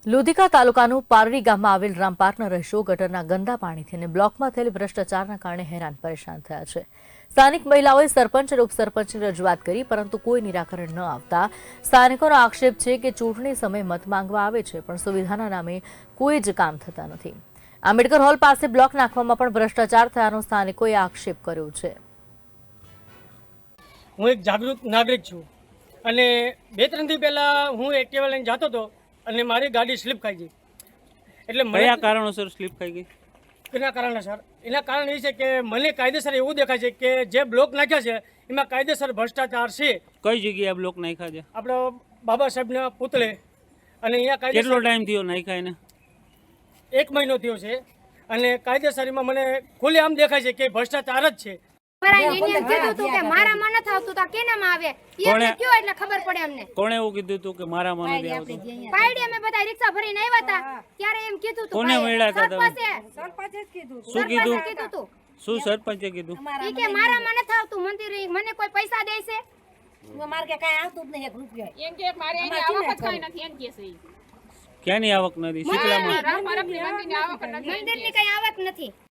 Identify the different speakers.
Speaker 1: લોધિકા તાલુકાનું પારડી ગામમાં આવેલ રામપાર્કના રહીશો ગટરના ગંદા પાણીથી અને બ્લોકમાં થયેલ ભ્રષ્ટાચારના કારણે હેરાન પરેશાન થયા છે। સ્થાનિક મહિલાઓએ સરપંચ અને ઉપસરપંચની રજૂઆત કરી, પરંતુ કોઈ નિરાકરણ ન આવતા સ્થાનિકોનો આક્ષેપ છે કે ચૂંટણી સમયે મત માંગવા આવે છે, પણ સુવિધાના નામે કોઈ જ કામ થતા નથી। આંબેડકર હોલ પાસે બ્લોક નાખવામાં પણ ભ્રષ્ટાચાર થયાનો સ્થાનિકોએ આક્ષેપ કર્યો છે।
Speaker 2: હું એક જાગૃત નાગરિક છું અને 2-3 દી પહેલા હું એક્ટિવા લઈને જતો હતો અને મારી ગાડી સ્લીપ ખાઈ ગઈ। એટલે
Speaker 3: કયા કારણોસર સ્લીપ ખાઈ ગઈ?
Speaker 2: એના કારણ એ છે કે મને કાયદેસર એવું દેખાય છે કે જે બ્લોક નાખ્યા છે એમાં કાયદેસર ભ્રષ્ટાચાર છે।
Speaker 3: કઈ જગ્યાએ બ્લોક નાખ્યા છે?
Speaker 2: આપણો બાબા સાહેબના પુતળે, અને અહીંયા
Speaker 3: કેટલો
Speaker 2: કાયદેસર
Speaker 3: ટાઈમ થયો નાખ્યા એને?
Speaker 2: 1 મહિનો થયો છે અને કાયદેસર એમાં મને ખુલ્લે આમ દેખાય છે કે ભ્રષ્ટાચાર જ છે।
Speaker 3: કોણે એવું કીધું હતું કે મારામાં નથી આવતું? કોને મળ્યા હતા તમે? શું કીધું? શું સરપંચે કીધું?
Speaker 4: મને કોઈ પૈસા દે છે? મારે કે કાઈ આવતું જ નહીં, 1 રૂપિયો એમ કે મારે એની આવક જ કાઈ નથી એમ કે છે।
Speaker 3: ક્યાંની આવક નથી? શીતળામાં
Speaker 4: મંદિરની કઈ આવક નથી।